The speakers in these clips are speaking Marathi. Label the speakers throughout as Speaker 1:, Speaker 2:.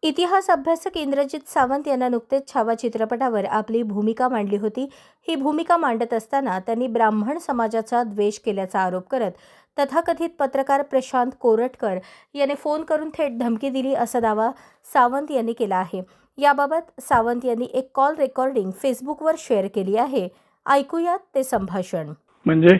Speaker 1: इतिहास अभ्यासक इंद्रजित सावंत यांना नुकतेच छावा चित्रपटावर आपली भूमिका मांडली होती. ही भूमिका मांडत असताना त्यांनी ब्राह्मण समाजाचा द्वेष केल्याचा आरोप करत तथाकथित पत्रकार प्रशांत कोरटकर याने फोन करून थेट धमकी दिली असा दावा सावंत यांनी केला आहे. याबाबत सावंत यांनी एक कॉल रेकॉर्डिंग फेसबुकवर शेअर केली आहे. ऐकूयात ते संभाषण.
Speaker 2: म्हणजे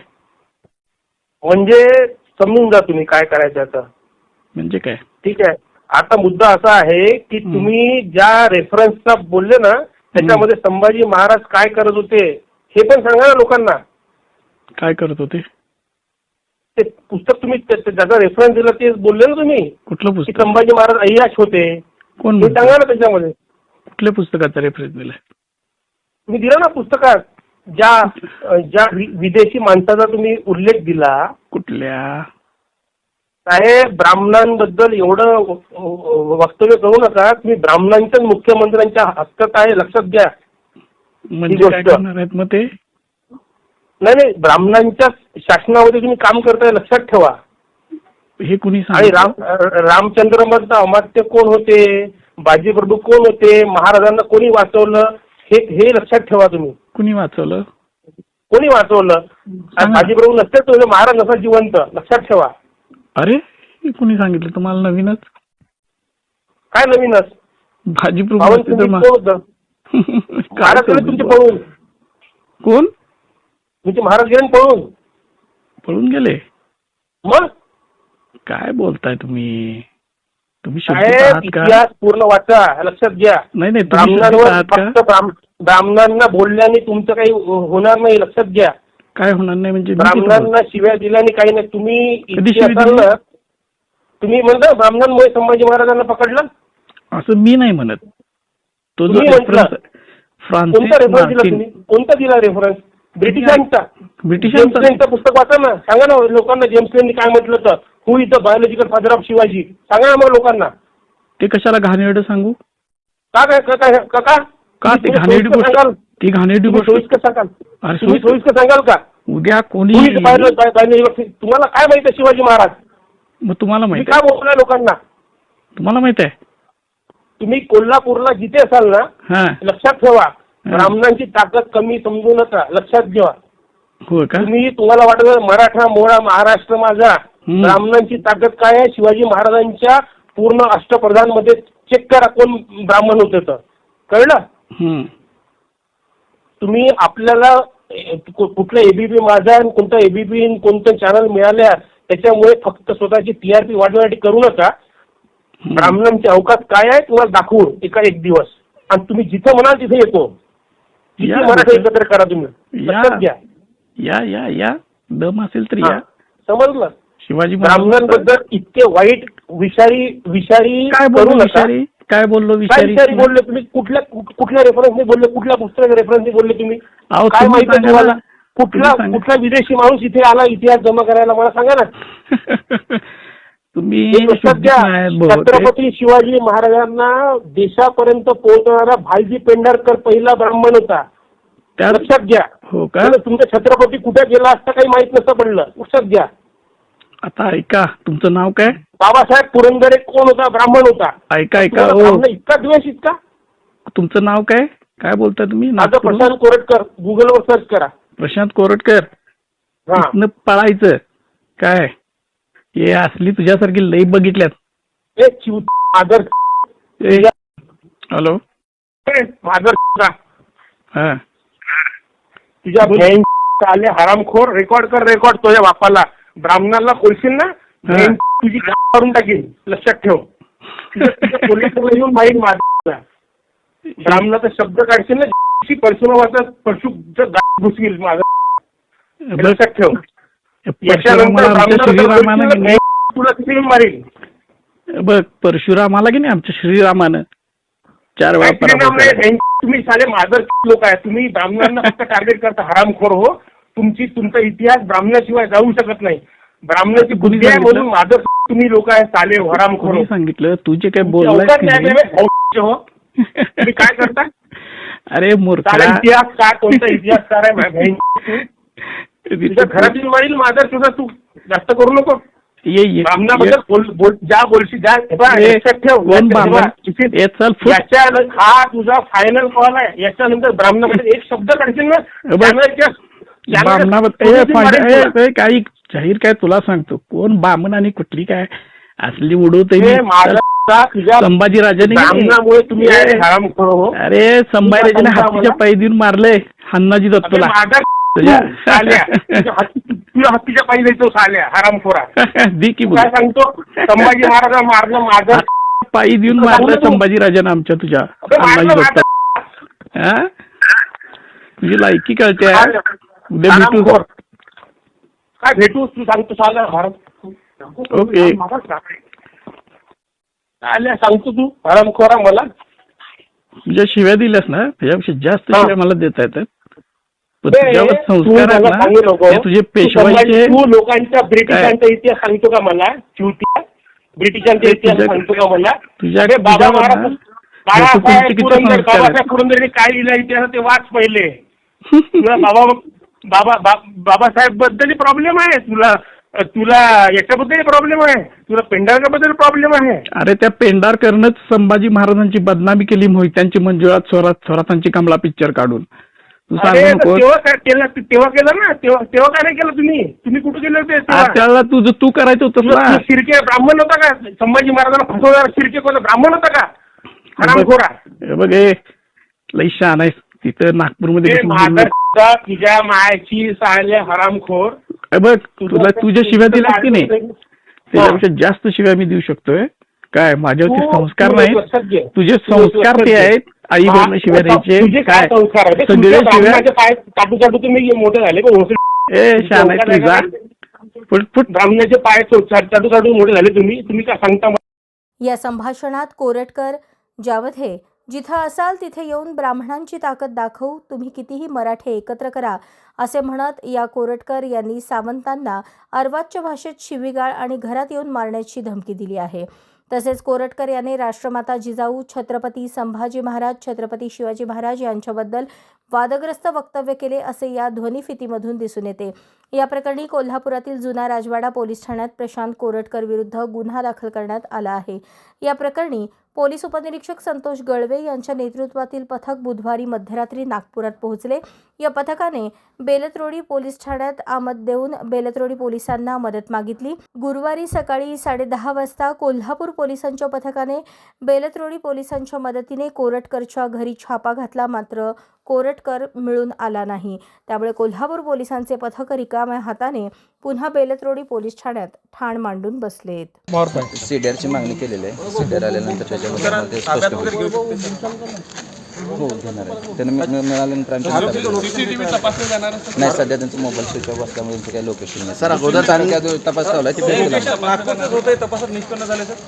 Speaker 3: समजून जा तुम्ही काय करायचं आता.
Speaker 2: म्हणजे काय?
Speaker 3: ठीक आहे. आता मुद्दा असा आहे की तुम्ही ज्या रेफरन्सचा बोलले ना त्याच्यामध्ये संभाजी महाराज काय करत होते हे पण सांगा ना लोकांना.
Speaker 2: काय करत होते?
Speaker 3: ते पुस्तक तुम्ही ज्याचा रेफरन्स दिला ते बोलले ना तुम्ही.
Speaker 2: कुठलं
Speaker 3: की
Speaker 2: पुस्तक?
Speaker 3: संभाजी महाराज अय्याश होते.
Speaker 2: कोण
Speaker 3: हे सांगा ना त्याच्यामध्ये.
Speaker 2: कुठल्या पुस्तकाचा रेफरन्स दिलाय?
Speaker 3: तुम्ही दिला ना पुस्तकात ज्या विदेशी माणसाचा तुम्ही उल्लेख दिला.
Speaker 2: कुठल्या?
Speaker 3: साहेब, ब्राह्मणांबद्दल एवढं वक्तव्य करू नका. तुम्ही ब्राह्मणांच्या मुख्यमंत्र्यांच्या हक्कात आहे, लक्षात घ्या.
Speaker 2: म्हणजे काय करणार आहेत मग ते?
Speaker 3: नाही, ब्राह्मणांच्या शासनामध्ये तुम्ही काम करताय, लक्षात ठेवा.
Speaker 2: हे कुणी
Speaker 3: आणि
Speaker 2: सांगितलं?
Speaker 3: रामचंद्र मधलं अमात्य कोण होते, बाजीप्रभू कोण होते, महाराजांना कोणी वाचवलं हे लक्षात ठेवा तुम्ही.
Speaker 2: कुणी वाचवलं?
Speaker 3: कोणी वाचवलं? बाजीप्रभू नसते तर महाराज नसा जिवंत, लक्षात ठेवा.
Speaker 2: अरे हे कुणी सांगितलं तुम्हाला? नवीनच?
Speaker 3: काय नवीनच?
Speaker 2: भाजीप्रभू
Speaker 3: महाराज गेले तुमचे पळून.
Speaker 2: कोण?
Speaker 3: तुमचे महाराज गेले पळून.
Speaker 2: पळून गेले?
Speaker 3: मग
Speaker 2: काय बोलताय तुम्ही? तुम्ही
Speaker 3: साहेब, इतिहास पूर्ण वाचा, लक्षात घ्या.
Speaker 2: नाही
Speaker 3: ब्राह्मणांवर फक्त ब्राह्मणांना बोलल्याने तुमचं काही होणार नाही, लक्षात घ्या.
Speaker 2: काय होणार नाही म्हणजे?
Speaker 3: ब्राह्मणांना शिव्या दिल्याने काही नाही. तुम्ही इतके असाल ना, तुम्ही म्हणता ब्राह्मणांमुळे संभाजी महाराजांना पकडलं, असं
Speaker 2: मी नाही म्हणत. तो जो
Speaker 3: कोणता रेफरन्स दिला तुम्ही? कोणता दिला रेफरन्स? ब्रिटिशांचा पुस्तक वाचा ना. सांगा ना लोकांना जेम्स लेननी काय म्हटलं तर. Who is the biological father of Shivaji. सांगा ना मग लोकांना.
Speaker 2: ते कशाला घाणेरडं सांगू?
Speaker 3: का ते घाणेरडी गोष्ट? ती घाणेरडी गोष्ट सोयीस्कर सांगाल? तुम्ही सोयीस्कर सांगाल का?
Speaker 2: उद्या कोणी
Speaker 3: तुम्हाला काय माहित आहे शिवाजी महाराज?
Speaker 2: मग तुम्हाला माहित
Speaker 3: काय बोलताय लोकांना?
Speaker 2: तुम्हाला माहित आहे?
Speaker 3: तुम्ही कोल्हापूरला जिथे असाल ना, लक्षात ठेवा, ब्राह्मणांची ताकद कमी समजू नका, लक्षात घ्या.
Speaker 2: हो का?
Speaker 3: तुम्हाला वाटत मराठा मोळा महाराष्ट्र माझा. ब्राह्मणांची ताकद काय आहे? शिवाजी महाराजांच्या पूर्ण अष्टप्रधान मध्ये चेक करा कोण ब्राह्मण होते तर कळलं. तुम्ही आपल्याला कुठलं एबीपी माझा आणि कोणतं एबीपी कोणतं चॅनल मिळाल्या त्याच्यामुळे फक्त स्वतःची टीआरपी वाढवण्यासाठी करू नका. ब्राह्मणांचे अवकाश काय आहे तुम्हाला दाखवू एक दिवस. आणि तुम्ही जिथे म्हणाल तिथे येतो. किती मराठी एकत्र करा तुम्ही, लक्षात घ्या.
Speaker 2: या दम असेल तर या.
Speaker 3: समजलं?
Speaker 2: शिवाजी
Speaker 3: ब्राह्मणांबद्दल इतके वाईट विषारी
Speaker 2: काय
Speaker 3: करू
Speaker 2: बोललो?
Speaker 3: नका.
Speaker 2: काय बोललो?
Speaker 3: विषारी बोलले तुम्ही? कुठल्या रेफरन्सने बोलले? कुठल्या पुस्तकाच्या रेफरन्सने बोलले तुम्ही? काय माहिती तुम्हाला? कुठला विदेशी माणूस इथे आला इतिहास जमा करायला मला सांगा ना.
Speaker 2: तुम्ही
Speaker 3: छत्रपती शिवाजी महाराजांना देशापर्यंत पोहोचणारा भालजी पेंढारकर पहिला ब्राह्मण होता, लक्षात घ्या.
Speaker 2: हो का?
Speaker 3: तुमचा छत्रपती कुठे गेला असता काही माहित नसतं पडलं, लक्षात घ्या.
Speaker 2: आता ऐका, तुमचं नाव काय?
Speaker 3: बाबासाहेब पुरंदरे कोण होता? ब्राह्मण होता.
Speaker 2: ऐका
Speaker 3: इतका द्वेष इतका.
Speaker 2: तुमचं नाव काय? काय बोलताय तुम्ही?
Speaker 3: माझं प्रशांत कोरटकर. गुगलवर सर्च करा.
Speaker 2: प्रशांत कोरटकर. पळायचं काय? हे असली तुझ्यासारखी लई बघितल्यात. हॅलो
Speaker 3: तुझ्या आले हरामखोर. रेकॉर्ड कर, रेकॉर्ड तुझ्या बापाला. ब्राह्मणाला बोलशील ना तुझी करून टाकील, लक्षात ठेव. कोल्हापूरला येऊन माहीत माझा ब्राह्मणाचा शब्द काढशील ना परशुराम परशु घुसतील माझा, लक्षात ठेव. तुला किती मारेल
Speaker 2: बघ. परशुरामाला की नाही आमच्या श्रीरामानं 4 वेळा.
Speaker 3: तुम्ही साले मादर लोक आहे. तुम्ही ब्राह्मणांना फक्त टार्गेट करता, हरामखोर हो. तुमचा इतिहास ब्राह्मणाशिवाय जाऊ शकत नाही. ब्राह्मणाची बुद्धी आहे म्हणून मादर तुम्ही लोक आहे साले हरामखोर.
Speaker 2: सांगितलं तुझे काय बोललाय
Speaker 3: हो. तुम्ही काय करता?
Speaker 2: अरे मूर्ख.
Speaker 3: इतिहास काय? कोणता इतिहासकार आहे? तुझ्या घरातील मारील मादर सुद्धा. तू जास्त करू नको.
Speaker 2: ये
Speaker 3: ब्राह्मणाबद्दल ज्या बोलशी ज्या लक्षात ठेव.
Speaker 2: कोण ब्राह्मण? ये चल फुट.
Speaker 3: याच्या हा तुझा फायनल कॉल आहे. याच्यानंतर ब्राह्मणाबद्दल एक शब्द काढशील ना
Speaker 2: ब्राह्मणाबद्दल काही जाहीर काय तुला सांगतो, कोण बामण आणि कुठली काय असली उडवतोय संभाजीराजाने.
Speaker 3: ब्राह्मणामुळे तुम्ही हरामखोर हो.
Speaker 2: अरे संभाजीराजाने हत्तीच्या पायी देऊन मारलंय हन्नाजी दत्तला.
Speaker 3: तुला हत्तीच्या पायी द्यायचो साल्या हरामखोरा.
Speaker 2: दी की
Speaker 3: काय सांगतो, संभाजी महाराज मारलं माझं
Speaker 2: पायी देऊन मारलं संभाजीराजाने आमच्या तुझ्या हन्नाजी दत्त. तुझी लायकी कळते. उद्या भेटू.
Speaker 3: काय भेटू तू सांगतो साला भारत.
Speaker 2: ओके
Speaker 3: आल्या सांगतो तू हरामखोरा. मला
Speaker 2: तुझ्या शिव्या दिल्यास ना त्याच्यापेक्षा जास्त शिव्या मला देता येतात. तुझ्यावर संस्कार आहेत ना तुझे पेशवाईचे.
Speaker 3: तू लोकांच्या ब्रिटिशांचा इतिहास सांगतो का मला? ब्रिटिशांचा इतिहास सांगतो का मला?
Speaker 2: तुझ्या
Speaker 3: बाबासाहेब पुरंदरेने काय लिहिलं इतिहास ते वाच पहिले. तुला बाबासाहेब बद्दल प्रॉब्लेम आहे. तुला याच्याबद्दल प्रॉब्लेम आहे. तुला पेंढारकरबद्दल प्रॉब्लेम आहे.
Speaker 2: अरे त्या पेंढारकरनंच संभाजी महाराजांची बदनामी केली. मोहित्यांची मंजुळात थोरातांची कमला पिक्चर काढून. तू सांग
Speaker 3: तेव्हा केलं ना. तेव्हा काय नाही केलं तुम्ही कुठे गेले होते?
Speaker 2: त्याला तुझं तू करायचं होतं ना.
Speaker 3: शिर्के ब्राह्मण होता का? संभाजी महाराजांना फसवणारा शिर्के कोण ब्राह्मण होता का? हरामखोरा.
Speaker 2: बघ लई शहाणा आहेस. तिथं नागपूरमध्ये
Speaker 3: तुझ्या मायाची साल्या हरामखोर.
Speaker 2: बघ तुला तुझ्या शिव्या दिल्यास की नाही त्याच्यापेक्षा जास्त शिव्या मी देऊ शकतोय. काय माझ्यावरती संस्कार नाही. तुझे संस्कार ते आहेत. आई बहिण शिव्या द्यायचे काय सगळे शिव्या
Speaker 3: चाटू चाटू तुम्ही मोठे झाले.
Speaker 2: शहाणा आहे तुझा. फुट
Speaker 3: ब्राह्मणाचे पाय चाटू चाटू मोठे झाले. तुम्ही काय सांगता?
Speaker 1: या संभाषणात कोरटकर ज्यामध्ये जिथं असाल तिथे येऊन ब्राह्मणांची ताकद दाखवू, तुम्ही कितीही मराठे एकत्र करा असे म्हणत या कोरटकर यांनी सावंतांना अर्वाच्य भाषेत शिवीगाळ आणि घरात येऊन मारण्याची धमकी दिली आहे. तसेच कोरटकर यांनी राष्ट्रमाता जिजाऊ, छत्रपती संभाजी महाराज, छत्रपती शिवाजी महाराज यांच्याबद्दल वादग्रस्त वक्तव्य केले असे या ध्वनिफितीमधून दिसून येते. या प्रकरणी कोल्हापुरातील जुना राजवाडा पोलीस ठाण्यात प्रशांत कोरटकर विरुद्ध गुन्हा दाखल करण्यात आला आहे. या प्रकरणी पोलीस उपनिरीक्षक संतोष गळवे यांच्या नेतृत्वातील पथक बुधवारी मध्यरात्री नागपुरात पोहोचले. या पथकाने बेलतरोडी पोलीस ठाण्यात आमद देऊन बेलतरोडी पोलिसांना मदत मागितली. गुरुवारी सकाळी 10:30 वाजता कोल्हापूर पोलिसांच्या पथकाने बेलतरोडी पोलिसांच्या मदतीने कोरटकरच्या घरी छापा घातला. मात्र कोरटकर मिळून आला नाही. त्यामुळे कोल्हापूर पोलिसांचे पथक रिकाम्या हाताने पुन्हा बेलतरोडी पोलीस ठाण्यात ठाण मांडून बसलेत.
Speaker 4: सीडीआरची मागणी केलेली आहे. सीडीआर आल्यानंतर त्याच्याबद्दल स्पष्ट हो घेणार आहे. त्यांना मिळाल्यानंतर नाही सध्या त्यांचा मोबाईल स्विच ऑफ असल्यामुळे त्यांचं काही लोकेशन नाही. सर अगोदर तपास ठेवला